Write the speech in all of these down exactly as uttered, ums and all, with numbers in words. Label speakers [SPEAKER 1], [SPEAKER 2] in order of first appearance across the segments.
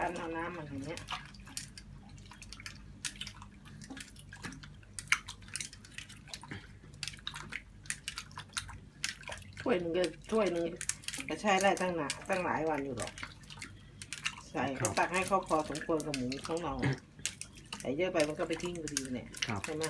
[SPEAKER 1] นเอาน้ำมันอย่างเงี้ยถ้วยหนึ่งก็ถ้วยหนึ่งจะใช้ได้ตั้งหนาตั้งหลายวันอยู่หรอกใส่ก็ตักให้เขาพอสมควรกับหมูของเราใส่เยอะไปมันก็ไปทิ้งพอดีเนี่ยใช่ไหม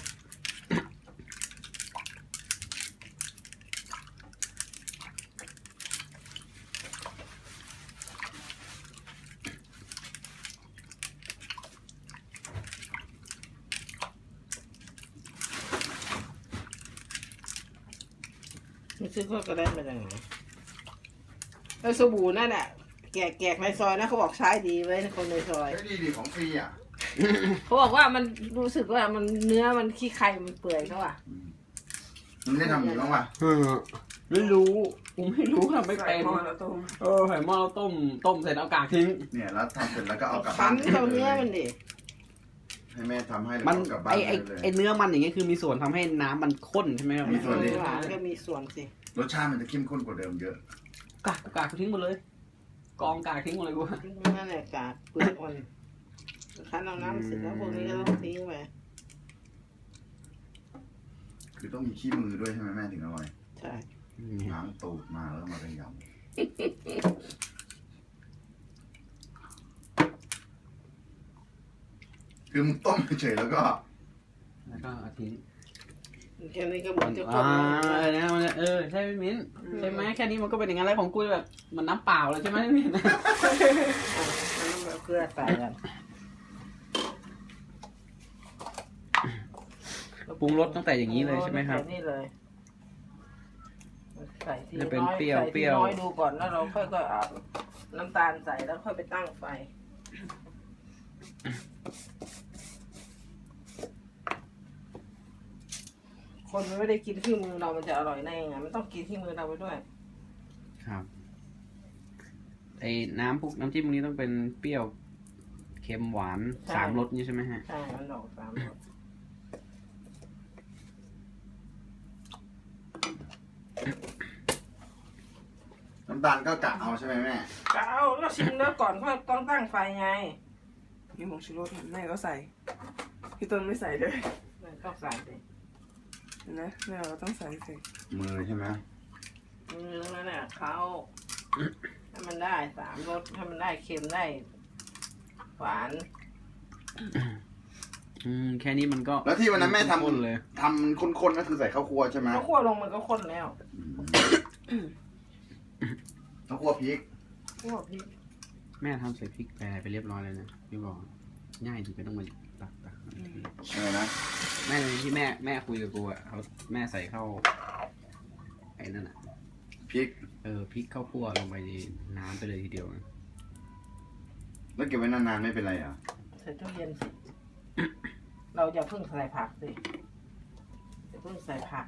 [SPEAKER 1] ไม่ซื้อก็ได้มาจากไหนแล้วสบู่นั่นแหละแกะแกะในซอยนะเขาบอกใช้ดีไว้คนในซอย
[SPEAKER 2] ใช้ดีดีของฟรีอ่ะ
[SPEAKER 1] เขาบอกว่ามันรู้สึกว่ามันเนื้อมันขี้ไข่มันเปื่อยเขาอ่ะ
[SPEAKER 2] มันได้ทำอยู่บ้างป่ะ
[SPEAKER 3] ไม่รู้ผมไม่รู้ทำไม่เป็นเออไข่หม้อเราต้มต้มเสร็จเอากากทิ้ง
[SPEAKER 2] เนี่ยแล้วทำเสร็จแล้วก็เอากลับ
[SPEAKER 1] บ้านเอาเนื้อมันดิ
[SPEAKER 2] ให้แม่ทำให้
[SPEAKER 3] มันไอไอไอเนื้อมันอย่างเงี้ยคือมีส่วนทำให้น้ำมันข้นใช่ไหมครับ
[SPEAKER 2] มีส่วนดิ
[SPEAKER 1] ก็มีส่วนสิ
[SPEAKER 2] รสชาติมันจะเข้มข้นกว่าเดิมเยอะ
[SPEAKER 3] กากกากทิ้งหมดเลยกองกากทิ้งหมดเลยกู
[SPEAKER 1] นั่นแหละกากเปลือกมันคั้นเอาน้ำเสร็จแล้วพวกนี้ก็ต้องทิ้งไป
[SPEAKER 2] คือต้องมีขี้มือด้วยใช่ไหมแม่ถึงอร่อย
[SPEAKER 1] ใช่
[SPEAKER 2] ล้างตูดมาแล้วมาเป็นยำคือมึงต้มเฉยแล้วก็
[SPEAKER 3] แล้วก็ทิ้ง
[SPEAKER 1] แค่นี้ก็เหมือนจะ
[SPEAKER 3] อ่าเนี่ยมันเออใช่ไหมมิ้นใช่ไหมแค่นี้มันก็เป็นอย่างนั้นแล้วของกูแบบมันน้ำเปล่าเลยใช่ไหมมิ้น
[SPEAKER 1] มันต้องแบบเกลือใส่กัน
[SPEAKER 3] ปรุงรสตั้งแต่อย่างนี้เลยใช่ไหมครับ
[SPEAKER 1] นี่เลยใส่ที
[SPEAKER 3] น้อยใส่ที
[SPEAKER 1] น้อยดูก่อนแล้วเราค่อยๆเอาน้ำตาลใส่แล้วค่อยไปตั้งไฟคนมันไม่ได้กินที่มือเรามันจะอร่อยได้ยังไงมันต้องกินที่มือเราไปด้วย
[SPEAKER 3] ครับไอ้น้ำพวกน้ำจิ้มพวกนี้ต้องเป็นเปรี้ยวเค็มหวานสามรสนี่ใช่ไหมฮะ
[SPEAKER 1] ใช่มันออกสามรส
[SPEAKER 2] น้ำตาลก็กะเอาใช่ไหมแม่
[SPEAKER 1] กะเอาแล้วชิมแล้วก่อนค่อยต้องตั้งไฟไง
[SPEAKER 4] นี่ผงชูรสแม่ก็ใส่พี่ต้นไม่ใส่เลย
[SPEAKER 1] ต้องใส่สิ
[SPEAKER 4] นะแม่เราต้องใส่สิ
[SPEAKER 2] มือใช่ไหม
[SPEAKER 1] มือนั่นแหละเขาให้มันได้สามรสให้มันได้เค็มได้หวาน
[SPEAKER 3] อืมแค่นี้มันก็
[SPEAKER 2] แล้วที่วันนั้นแม่ทำเลยทำมันข้นๆก็คือใส่ข้าวคั่วใช่ไหม
[SPEAKER 1] ข้าวคั่วลงมันก็ข้นแล้ว
[SPEAKER 2] ข้าวคั่วพริก
[SPEAKER 1] คั่วพริก
[SPEAKER 3] แม่ทำใส่พริกแปรไปเรียบร้อยเลยนะพี่บอกง่ายดีไม่ต้องมาตักตัก
[SPEAKER 2] อะไรนะ
[SPEAKER 3] แม่ที่แม่แม่คุยกับกูอ่ะเขาแม่ใส่เข้าไอ้นั่นอ่ะ
[SPEAKER 2] พริก
[SPEAKER 3] เออพริกข้าวคั่วลงไปในน้ำไปเลยทีเดียว
[SPEAKER 2] แล้วเก็บไว้นานๆไม่เป็นไรอ่ะ
[SPEAKER 1] ใส่ตู้เย็นสิเราจะเพิ่งใส่ผักสิจะเพิ่งใส่ผัก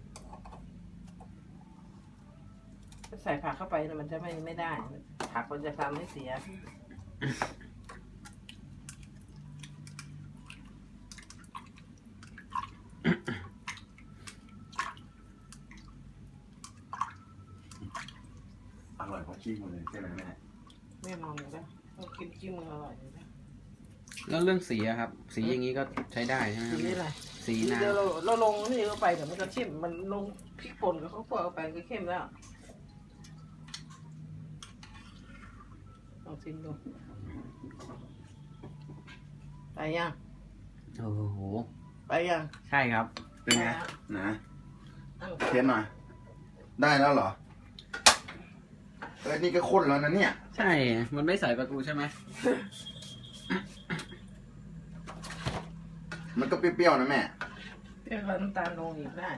[SPEAKER 1] ใส่ผักเข้าไปมันจะไม่ไม่ได้ผักมันจะทำให้เสีย
[SPEAKER 2] อร่อยเพราะขี้มันเลยใช่ไหมแม่
[SPEAKER 1] แม่นอนอยู่แล้วต้องกินขี้มันอร่อยอยู่แล้ว
[SPEAKER 3] แล้วเรื่องสีอะครับสีอย่างนี้ก็ใช้ได้ใช่ไหม
[SPEAKER 1] สีอะไร
[SPEAKER 3] สีน้
[SPEAKER 1] ำเราเราลงนี่เข้าไปเดี๋ยวมันก็เข้มมันลงพริกป่นกับข้าวคั่วเข้าไปก็เข้มแล้วลองชิมดูไปยัง
[SPEAKER 3] โอ้โห
[SPEAKER 1] ไปยัง
[SPEAKER 3] ใช่ครับ
[SPEAKER 2] เป็นไงนะเทสหน่อยได้แล้วเหรอเอ้ยนี่ก็ข้นแล้วนะเนี่ย
[SPEAKER 3] ใช่มันไม่ใส่ประตูใช่ไหม
[SPEAKER 2] มันก็เปรี้ยวๆนะแม่
[SPEAKER 1] เปรี้ยวน้ำตาลลงอีกได้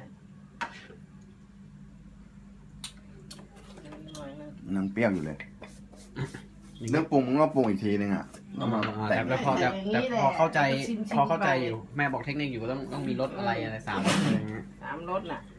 [SPEAKER 2] นังเปรี้ยวอยู่เลยเรื่องปรุงมึงก็ปรุงอีกทีนึงอ่ะ
[SPEAKER 3] แต่พอแต่พอเข้าใจพอเข้าใจอยู่แม่บอกเทคนิคอยู่ต้องต้องมีรสอะไรอะไรสามรสอะไรเงี้ย
[SPEAKER 1] สามรสน่ะ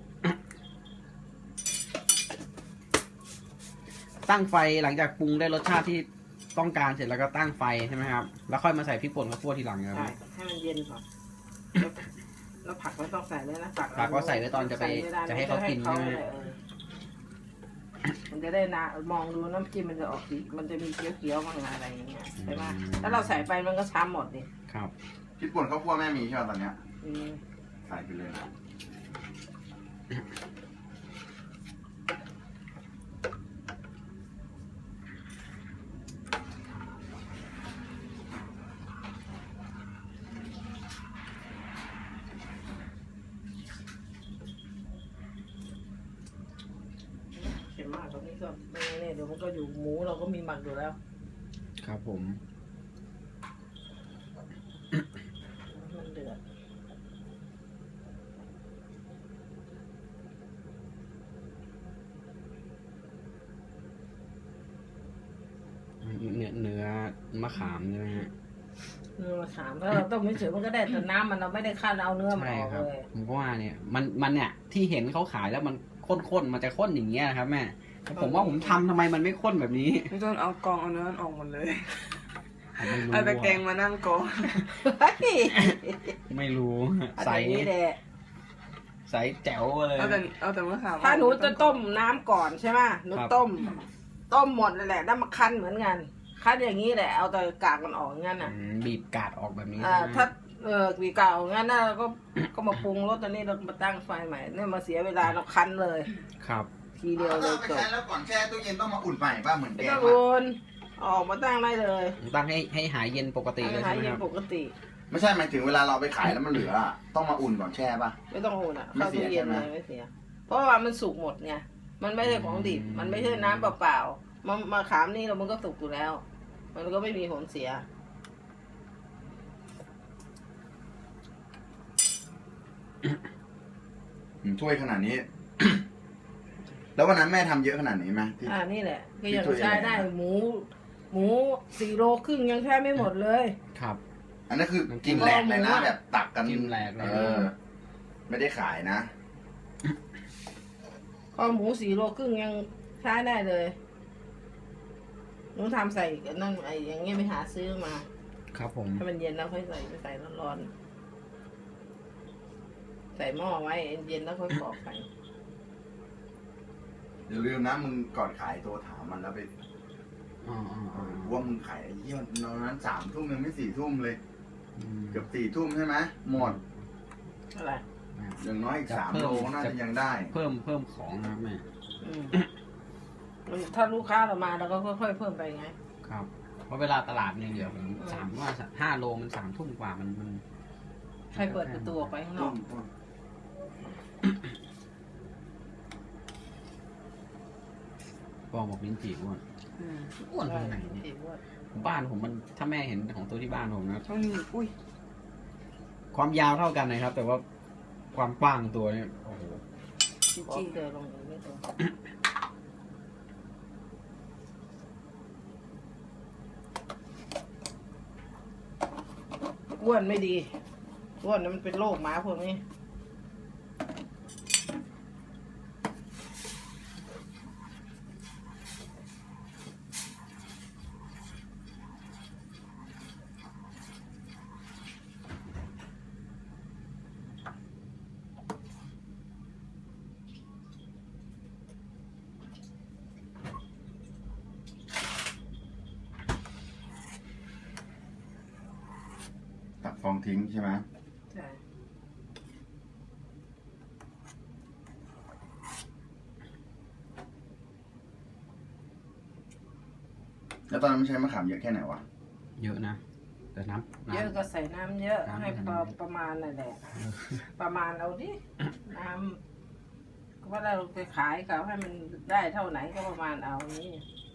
[SPEAKER 3] ตั้งไฟหลังจากปรุงได้รสชาติที่ต้องการเสร็จแล้วก็ตั้งไฟใช่ไหมครับแล้วค่อยมาใส่พริกป่นข้าวคั่วทีหลังครับ
[SPEAKER 1] ใช่ให้มันเย็นก่อนแล้วผักไม่ต้องใส่เลยนะ
[SPEAKER 3] ผักก็ใส่ไว้ตอนจะไปจะให้เขากินใช่ไหม
[SPEAKER 1] มันจะได้นะมองดูน้ำจิ้มมันจะออกสีมันจะมีเขียวๆบ้างอะไรอย่างเงี้ยใช่ไหมถ้าเราใส่ไปมันก็ช้ำหมดดิ
[SPEAKER 3] ครับ
[SPEAKER 2] พริกป่นข้าวคั่วแม่มีใช่ไหมตอนเนี้ย
[SPEAKER 1] อืม
[SPEAKER 2] ใส่ไปเลยนะ
[SPEAKER 1] เค็มมากตรงนี้ก็ไม่แน่เดี๋ยวมันก็อยู่หมูเราก็มีหมักอยู่แล้ว
[SPEAKER 3] ครับผม
[SPEAKER 1] มันเดือด
[SPEAKER 3] เนื้อเนื้อมะขามใช่ไหมฮะ
[SPEAKER 1] เนื้อมะขามถ้าเราต้มไม่เฉยมันก็ได้แต่น้ำมันเราไม่ได้ขั้นเอาเนื้อมัน
[SPEAKER 3] ใช่
[SPEAKER 1] ออก
[SPEAKER 3] ครับ
[SPEAKER 1] เลย
[SPEAKER 3] ผมก็ว่าเนี่ยมันมันเนี่ยที่เห็นเขาขายแล้วมันข้นๆมันจะข้นอย่างเงี้ยนะครับแม่แต่ผมว่าผมทำทำไมมันไม่ข้นแบบนี้
[SPEAKER 4] พี่ต้นเอากองเอาเนื้อออกหมดเลย
[SPEAKER 3] ผมไม่รู้
[SPEAKER 4] เอาตะแกรงมานั่งกอง
[SPEAKER 3] ไม่รู้
[SPEAKER 1] ใส่
[SPEAKER 3] ใส่
[SPEAKER 1] นี่แหละ
[SPEAKER 3] ใส่แจ๋วเลย
[SPEAKER 4] เอาแต่เอาแต่มะขาม
[SPEAKER 1] ถ้าหนูจะต้มน้ำก่อนใช่ไหมหนู
[SPEAKER 3] ครับ
[SPEAKER 1] ต้ม ต้มหมดเลยแหละแล้วมาคั้นเหมือนกันคั้นอย่างนี้แหละเอาแต่กากมันออกงั้นอ่ะ
[SPEAKER 3] อืมบีบกาดออกแบบนี้
[SPEAKER 1] อ่า
[SPEAKER 3] ใช่ไหม
[SPEAKER 1] ถ้าเออวีกากออกงั้นนะเราก็ก็มาปรุงรสตอนนี้เรามาตั้งไฟใหม่เนี่ยมาเสียเวลาเราคั้นเลย
[SPEAKER 3] ครับ
[SPEAKER 1] ทีเดียวเล
[SPEAKER 2] ถ้าย ไป
[SPEAKER 1] จบ
[SPEAKER 2] ใช้แล้วก่อนแช่ตู้เย็นต้องมาอุ่นใหม่ป่ะเหมือนแก
[SPEAKER 1] ไม่
[SPEAKER 2] ง
[SPEAKER 1] ต้อง
[SPEAKER 2] อะ
[SPEAKER 1] โอนออกมาตั้งได้เลย
[SPEAKER 3] ตั้งให้ให้หายเย็นปกติเลย
[SPEAKER 1] หา
[SPEAKER 3] ใช่ไหม
[SPEAKER 1] เย็
[SPEAKER 3] คน รับ
[SPEAKER 1] ปกติ
[SPEAKER 2] ไม่ใช่หมายถึงเวลาเราไปขายแล้วมันเหลืออะต้องมาอุ่นก่อนแช่ป่ะ
[SPEAKER 1] ไม่ต้องโอนอ่ะ
[SPEAKER 2] ไม่
[SPEAKER 1] เข้า
[SPEAKER 2] เสีย
[SPEAKER 1] ตู้เย็น
[SPEAKER 2] ใช่ไห
[SPEAKER 1] เล
[SPEAKER 2] ม
[SPEAKER 1] ยไม่เสีย เพราะว่ามันสุกหมดไงมันไม่ใช่ของดิบมันไม่ใช่น้ำเปล่าๆมามาขามนี่เรามันก็สุกอยู่แล้ว มันก็ไม่มีผลเสีย
[SPEAKER 2] อืมถ้วยขนาดนี้ แล้ววันนั้นแม่ทำเยอะขนาดนี้ไหมที่
[SPEAKER 1] อ่านี่แหละก็ยัง
[SPEAKER 2] ที่ตัว
[SPEAKER 1] ใช้
[SPEAKER 2] ใหญ่ๆ
[SPEAKER 1] ได้
[SPEAKER 2] นะ
[SPEAKER 1] หมู หมูสี่โลครึ่งยังใช้ไม่หมดเลย
[SPEAKER 3] ครับ
[SPEAKER 2] อันนั้นคือ
[SPEAKER 3] น้ำจิ้
[SPEAKER 2] กิน
[SPEAKER 3] ม
[SPEAKER 2] แหลกเลยนะแบบตักกัน
[SPEAKER 3] จิ้มแหลกเลย
[SPEAKER 2] เออ ไม่ได้ขายนะ
[SPEAKER 1] ก็หมูสี่โลครึ่งยังใช้ได้เลยหนูทำใส่กันนั่นไอ้อย่างเงี้ยไปหาซื้อมา
[SPEAKER 3] ครับผม
[SPEAKER 1] ถ้ามันเย็นแล้วค่อยใส่ไปใส่ร้อนๆใส่หม้อไว้เย็นแล้วค่อยกรอกไป
[SPEAKER 2] อย่าลืมนะมึงก่อนขายตัวถามมันแล้วไป
[SPEAKER 3] อ๋ออ๋อ
[SPEAKER 2] เอ
[SPEAKER 3] อ๋อ
[SPEAKER 2] อว่ามึงขายไอ้เยี่ยนตอนนั้นสามทุ่มยังไม่สี่ทุ่มเลย
[SPEAKER 3] อืม
[SPEAKER 2] เกือบสี่ทุ่มใช่ไหมหมด
[SPEAKER 1] อะไร
[SPEAKER 2] อย่างน้อยอีก
[SPEAKER 3] จะ
[SPEAKER 2] สาม
[SPEAKER 3] เพิ่ม
[SPEAKER 2] โลน่าจะยังได้
[SPEAKER 3] เพิ่มเพิ่มของนะครับแม่
[SPEAKER 1] อืมถ้าลูกค้าเรามาเราก็ค่อยๆเพิ่มไปไง
[SPEAKER 3] ครับ เพราะเวลาตลาดเนี่ยเดี๋ยวผม
[SPEAKER 1] อืม
[SPEAKER 3] สามว่าห้าโลมันสามทุ่มกว่ามันมัน
[SPEAKER 1] ใครเปิดประตูออกไปข้างน
[SPEAKER 2] ต้
[SPEAKER 1] อก
[SPEAKER 2] นต้น
[SPEAKER 3] ปองบอกลิ้นจี่อ้วน
[SPEAKER 4] อืม
[SPEAKER 3] อ้วนตรงไหนเนี่ยบ้านผมมันถ้าแม่เห็นของตัวที่บ้านผมนะ
[SPEAKER 4] ช่วงนี้อุ้ย
[SPEAKER 3] ความยาวเท่ากันนะครับ แต่ว่าความกว้างตัวเนี่ยโอ้โห
[SPEAKER 4] จ
[SPEAKER 1] ขอ
[SPEAKER 4] ริง
[SPEAKER 1] เจอลงอย่างนี้ตัวอ้วนไม่ดีอ้วนนั้นมันเป็นโรคหมาพวกนี้
[SPEAKER 2] ตักฟองทิ้งใช่ไหม
[SPEAKER 1] ใช่
[SPEAKER 2] แล้วตอนนั้นไม่ใช้มะขามเยอะแค่ไหนวะ
[SPEAKER 3] เยอะนะ แต่น้ำ
[SPEAKER 1] เยอะ
[SPEAKER 3] น้ำ
[SPEAKER 1] ก็ใส่น้ำเยอะ
[SPEAKER 3] น้ำ
[SPEAKER 1] ให้
[SPEAKER 3] ไม่
[SPEAKER 1] พอ
[SPEAKER 3] ทัน
[SPEAKER 1] ประมาณนั่นแหละ ประมาณเอาดิ น้ำก็ว่าเราไปขายเขาให้มันได้เท่าไหนก็ประมาณเอานี้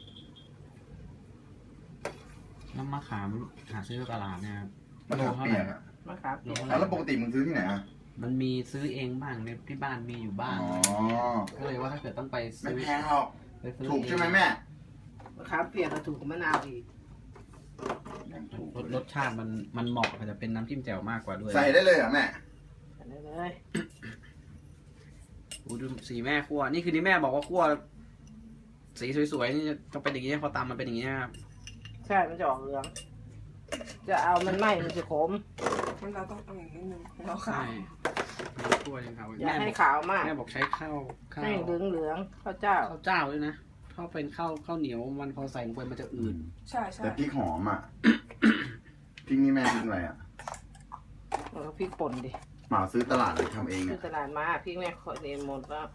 [SPEAKER 3] น้ำมะขามหาซื้อตลาดเนี่ยครับ
[SPEAKER 2] มะขามเปียกอะ
[SPEAKER 1] มะขามเปียก
[SPEAKER 3] โล
[SPEAKER 2] แล้วปกติมึงซื้อที่ไหนอะ
[SPEAKER 3] มันมีซื้อเองบ้างในที่บ้านมีอยู่บ้าง
[SPEAKER 2] อ๋อ
[SPEAKER 3] ก็เลยว่าถ้าเกิดต้องไป
[SPEAKER 2] ไม่
[SPEAKER 3] ซื้อ
[SPEAKER 2] แพงหรอก
[SPEAKER 3] ไปซื้อ
[SPEAKER 2] ถูกใช่ไหมแม่
[SPEAKER 1] มะขามเปียกก็ถูกกว่ามะนาวอีก
[SPEAKER 2] ยังถูก
[SPEAKER 3] รสรสชาติมันมันเหมาะกับจะเป็นน้ำจิ้มแจ่วมากกว่าด้วย
[SPEAKER 2] ใส่ได้เลยเหรอแม่
[SPEAKER 1] ใส่ได้เลย
[SPEAKER 3] ดูดูสีแม่คั่วนี่คือที่แม่บอกว่าคั่วสีสวยๆนี่จะเป็นอย่างนี้พอตำมันเป็นอย่างนี้ครับ
[SPEAKER 1] ใช่มันจะออกเหลือง จะเอามันไหม้มันจะขม
[SPEAKER 4] มันเราต้องเอาอย่างนิดนึงเราขา
[SPEAKER 3] ใช่
[SPEAKER 4] ว
[SPEAKER 3] ทั้งถ้วยเลยครับ
[SPEAKER 1] อย่า
[SPEAKER 3] แม่บ
[SPEAKER 1] ให้
[SPEAKER 3] อก
[SPEAKER 1] ขาวมาก
[SPEAKER 3] แม่บอกใช้ข้าวข้าว
[SPEAKER 1] ให้เหลืองเหลืองๆข้าวเจ้า
[SPEAKER 3] ข้าวเจ้าด้วยนะถ้าเป็นข้าวข้าวเหนียวมันพอใส่ลงไปมันจะอืด
[SPEAKER 4] ใช่ใช่
[SPEAKER 2] แต่พริกหอมอ่ะ พริกนี่แม่พริกอะไรอ่ะ
[SPEAKER 1] แล้วพริกป่นดิ
[SPEAKER 2] หมาซื้อตลาดเลยทำเอง
[SPEAKER 1] คือ
[SPEAKER 2] อ่ะ
[SPEAKER 1] ตลาดมาพริกแม่ขอเรียนหมดแล้ว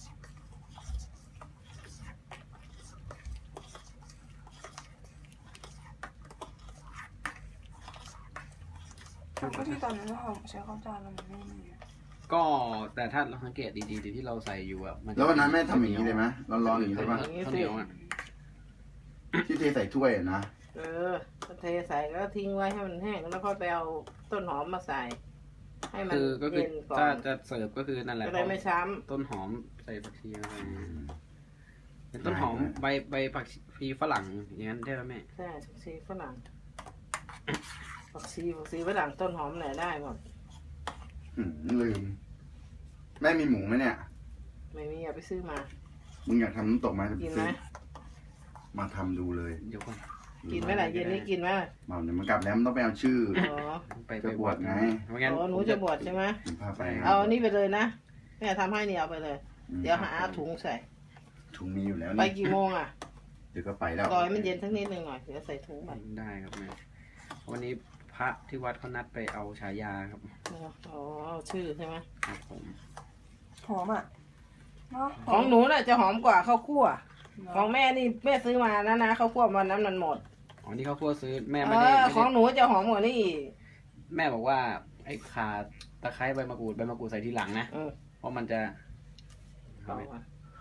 [SPEAKER 4] ก็ที่ตอนนั้นเราใช้ข้าวเจ้าแล้วมันไม่มี
[SPEAKER 3] ก็แต่ถ้าเราสังเกตดีๆที่เราใส่อยู่อะมันจะ
[SPEAKER 2] แล้ววันนั้นแม่ทำอย่างนี้เลยไหมร้อนๆอย่างนี้
[SPEAKER 3] เป็
[SPEAKER 2] ใช่
[SPEAKER 3] น
[SPEAKER 2] ปะ
[SPEAKER 3] ข้าวเหนียวอะ
[SPEAKER 2] ที่เทใส่ถ้วยอะนะ
[SPEAKER 1] เออก็เทใส่แล้วทิ้งไว้ให้มันแห้งแล้วค่อยไปเอาต้นหอมมาใส่ ให้มัน
[SPEAKER 3] คือก็คือ
[SPEAKER 1] เย็นก่อ
[SPEAKER 3] ถ้าน จะเสิร์ฟก็คือนั่นแหละ
[SPEAKER 1] จะได้ไม่ช้
[SPEAKER 3] ต้นหอมใส่ผักชีอะไรเป็นต้นหอมใบใบผักชีฝรั่งอย่างนั้นได้ไหมแม่
[SPEAKER 1] ำใช่ผักชีฝรั่งผักชีผักชีฝรั่งต้นหอมไหนได้หมด
[SPEAKER 2] หืมลืม แม่มีหมูไหมเนี่ย
[SPEAKER 1] ไม่มีอย่าไปซื้อมา
[SPEAKER 2] มึงอยากทำน้ำตกไหม
[SPEAKER 1] กินไหม
[SPEAKER 2] มาทำดูเลย
[SPEAKER 3] เดี๋ยวก่อน
[SPEAKER 1] กินไหมล่ะเย็นนี้กินไหม
[SPEAKER 2] เมาเดี๋ยวมันกลับแล้วมันต้องไปเอาชื่อ
[SPEAKER 1] อ๋อ
[SPEAKER 3] ไป
[SPEAKER 2] จะบวชไง
[SPEAKER 3] ไม่งั้น
[SPEAKER 1] อ๋อหนูจะบวชใช่ไหม
[SPEAKER 2] ผมพาไป
[SPEAKER 1] เอาอันนี้ไปเลยนะแม่ทำให้นี่เอาไปเลย
[SPEAKER 2] อืม
[SPEAKER 1] เดี๋ยวหาถุงใส่
[SPEAKER 2] ถุงมีอยู่แล้ว
[SPEAKER 1] ไป
[SPEAKER 2] นี่
[SPEAKER 1] กี่โมงอ่ะ
[SPEAKER 2] เดี๋ยวก็ไปแล้ว
[SPEAKER 1] รอให้มันเย็นสักนิดหนึ่งหน่อยเดี๋ยวใส่ถุงไป
[SPEAKER 3] ได้ครับแม่วันนี้พระที่วัดเขานัดไปเอาฉายาครับ
[SPEAKER 1] อ๋อเอาชื่อใช่ไหม
[SPEAKER 3] ครับผม
[SPEAKER 4] หอมอ่ะเนาะ
[SPEAKER 1] ของหนูน่ะจะหอมกว่าข้าวคั่ว
[SPEAKER 4] เนาะ
[SPEAKER 1] ของแม่นี่แม่ซื้อมานะนะข้าวคั่ววันนั้นมันหมด
[SPEAKER 3] อ๋อนี่เขาคั่วซื้อแม่
[SPEAKER 1] เอ
[SPEAKER 3] ไม่ได้
[SPEAKER 1] อ
[SPEAKER 3] ไม่
[SPEAKER 1] ของ
[SPEAKER 3] ได้
[SPEAKER 1] หนูจะหอมกว่านี่อีก
[SPEAKER 3] แม่บอกว่าไอ้ข่าตะไคร้ใบมะกรูดใบมะกรูดใส่ทีหลังนะ
[SPEAKER 1] เออ
[SPEAKER 3] เพราะมันจะ
[SPEAKER 1] เอามา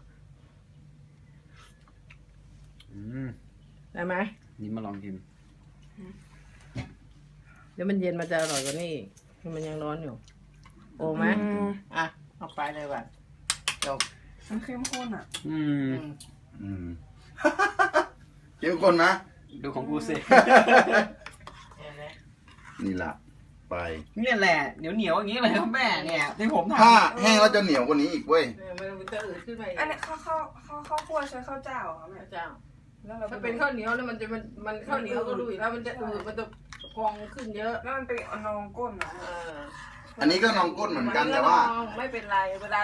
[SPEAKER 3] อืม
[SPEAKER 1] ได้ไหม
[SPEAKER 3] นี่มาลองชิม
[SPEAKER 1] เดี๋ยวมันเย็นมันจะอร่อยกว่านี่อีกมันยังร้อนอยู่ โอ้ไหม
[SPEAKER 4] อืม
[SPEAKER 1] อ่ะเอาไปเลยว่ะจบ
[SPEAKER 4] มันเข้มข้นอ่ะ
[SPEAKER 3] อืม
[SPEAKER 1] อืม
[SPEAKER 2] อืม เกี่ยวคนนะ
[SPEAKER 3] ดูของกูสิ
[SPEAKER 1] เห็นไหม
[SPEAKER 2] นี่ละไป
[SPEAKER 3] เนี่ยแหละเหนียวเหนียวๆอย่างนี้เลยครับแม่เนี่ยที่ผมท
[SPEAKER 2] ถ้าแห้งแล้วจะเหนียวกว่านี้อีกเว้ย
[SPEAKER 1] เนี่ยมันจะอืดขึ้นไปอีก
[SPEAKER 4] อันนี้ข้าวข้าวข้าวข้าวคั่วใช้ข้าวเจ้าเหรอคะแม่
[SPEAKER 1] พระเจ้า
[SPEAKER 4] แล้วเรา
[SPEAKER 1] ถ้าเป็นข้าวเหนียวแล้วมันจะมันมันข้าวเหนียวก็รู้อยู่แล้วมันจะอืดมันจะพองขึ้นเยอะ
[SPEAKER 4] แล้วมันเป็นนองก้นเหรอ
[SPEAKER 1] เออ
[SPEAKER 2] อันนี้ก็นองก้นเหมือนกันแต่ว่า
[SPEAKER 1] ไม่เป็นไรเวลา